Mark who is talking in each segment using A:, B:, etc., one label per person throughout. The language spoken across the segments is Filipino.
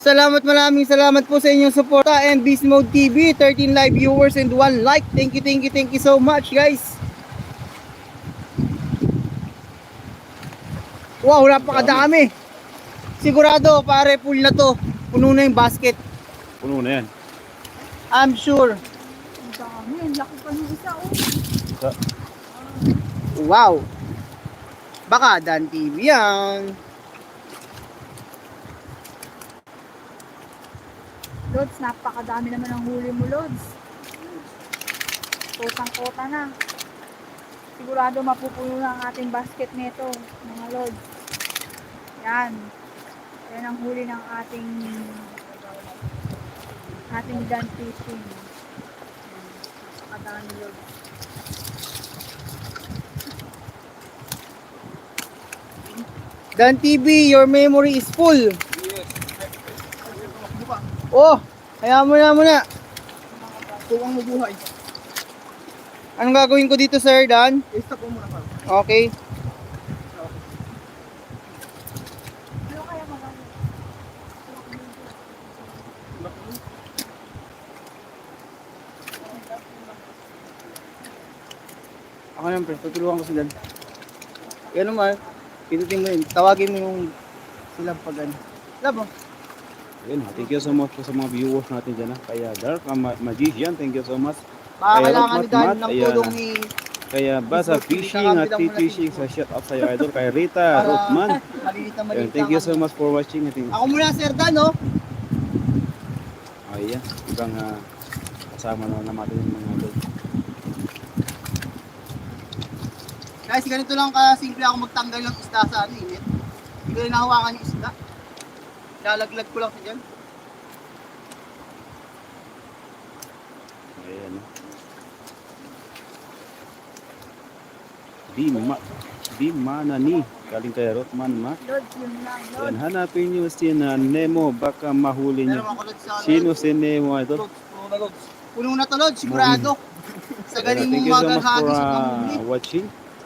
A: Maraming salamat po sa inyong suporta and Beast Mode TV, 13 live viewers and 1 like. Thank you so much guys. Wow, napakadami. Sigurado pare full na to. Puno na yung basket.
B: Puno na yan.
A: I'm sure.
C: Ang dami, ang laki pa ng isa
A: Wow. Baka Dan TV yan.
C: Lods, napakadami naman ang huli mo, Lods. Kotang-kota na. Sigurado mapupuno na ang ating basket nito, mga Lods. Yan. Yan ang huli ng ating Dan fishing. Napakadami, Lods.
A: Dan TV, your memory is full. Oh, kaya muna.
D: Tuwang mabuhay.
A: Anong gagawin ko dito, Sir Dan?
D: I-stop mo muna pa.
A: Okay.
C: Ano kaya magagawa?
A: Ako naman, pre. Tutulungan ko sila. Yan naman. Pinutin mo yun. Tawagin mo yung sila pag ano. Labo.
B: Ayun, thank you so much po sa mga viewers natin dyan. Kaya Dark Magician, thank you so much.
A: Baka
B: Kaya
A: kailangan ni Dan
B: Mat,
A: ng
B: ayan.
A: tulong ni...
B: Kaya Basa Fishing at T-Fishing sa shout out sa iyo idol. Kay Rita Rothman.
A: Malilita.
B: Ayun, thank you so much for watching.
A: Ako muna, Sir Dan, no?
B: Ayan, ibang kasama na natin yung mga idol.
A: Guys, ganito lang kasimple ako magtanggal ng isda sa ano, init. Hindi ko rin nahawakan yung isda. Lalaglag ko lang sa dyan.
B: Ayan. Di manani. Galing kay Rothman ma.
C: Lods, yun lang, Lods.
B: Ayan, hanapin nyo si Nemo. Baka mahuli
A: Meron
B: nyo.
A: ako Lods sa ano.
B: Sino si Nemo idol?
D: Lods, puno na lods.
A: Puno na to, Lods, sigurado. Sa galing
B: Thank
A: mong
B: you so much for
A: maghahagis at mamuli.
B: watching.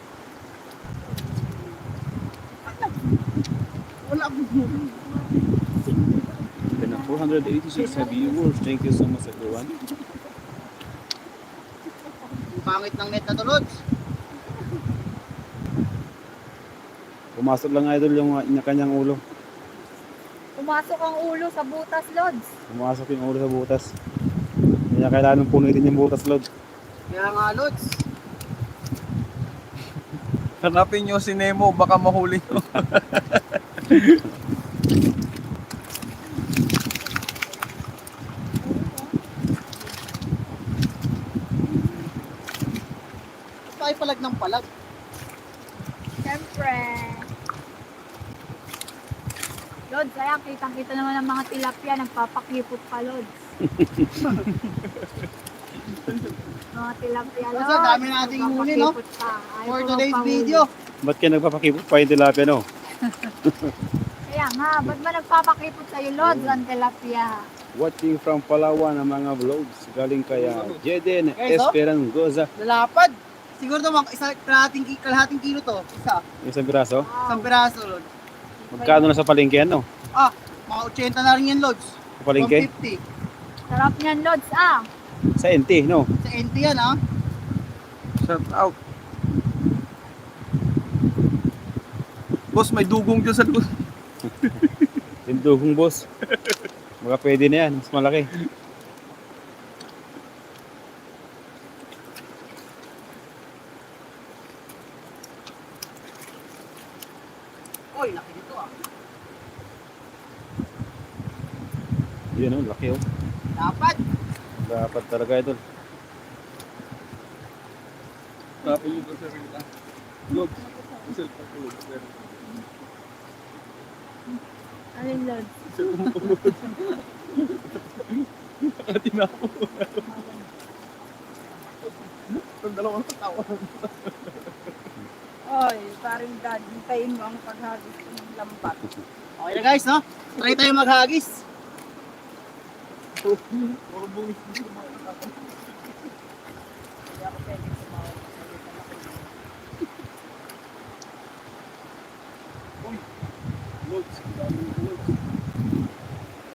A: Wala akong huli.
B: Then 486 viewers. Thank you so much everyone.
A: Pangit ng net na to, Lods.
B: Pumasok lang idol yung kanyang ulo.
C: Pumasok ang ulo sa butas, Lods.
B: Pumasok yung ulo sa butas. Kaya kailangan punitin yung butas, Lord.
A: Kaya nga, Lods.
D: Hanapin nyo si Nemo, baka mahuli nyo.
A: Tayo palag ng palag.
C: Siyempre. Lods, kaya kitang-kita naman ang mga tilapia, nagpapakipot pa, Lods. Mga tilapia,
A: Lods,
C: Lods.
A: ang dami nating huli, no?
C: nagpapakipot pa. Ayaw
A: For
C: ko
A: today's
C: magpahuli.
A: video.
B: Ba't kayo nagpapakipot pa yung tilapia, no?
C: Kaya nga, ba't ba nagpapakipot sa'yo, Lods, ang tilapia?
B: Watching from Palawan ang mga vlogs. Galing kaya Jeden
A: Guys, oh.
B: Esperangoza.
A: Lalapad. Siguro to, kalahating kilo to.
B: Isang piraso.
A: Isang piraso, Lods.
B: Magkano na sa palengke, ano?
A: Ah, mga 80 na rin yan, Lods.
B: Sa palengke?
A: 150.
C: Sarap niyan, Lods, ah.
B: Sa NT, no?
A: Sa NT yan, ha?
D: Shout out. Boss, may dugong dyan sa loob.
B: Tindugong boss. Baka pwede na yan. Mas malaki.
A: Oy, laki nito, ah.
B: Yun, oh. Laki, oh.
A: Dapat.
B: Dapat talaga, idol.
D: Hanapin nyo sa sarita. Lods. Isel pa po.
C: Alin, Lods?
D: Isel pa po. Tinapo. Ang dalawang tawa.
C: Oy, parang dad, hintayin mo ang paghagis ng lambat.
A: Okay na guys, no? Try tayo maghagis.
D: Puro bungis dito mga nakakam.
C: Hindi ako pwede sumawag.
D: Lods.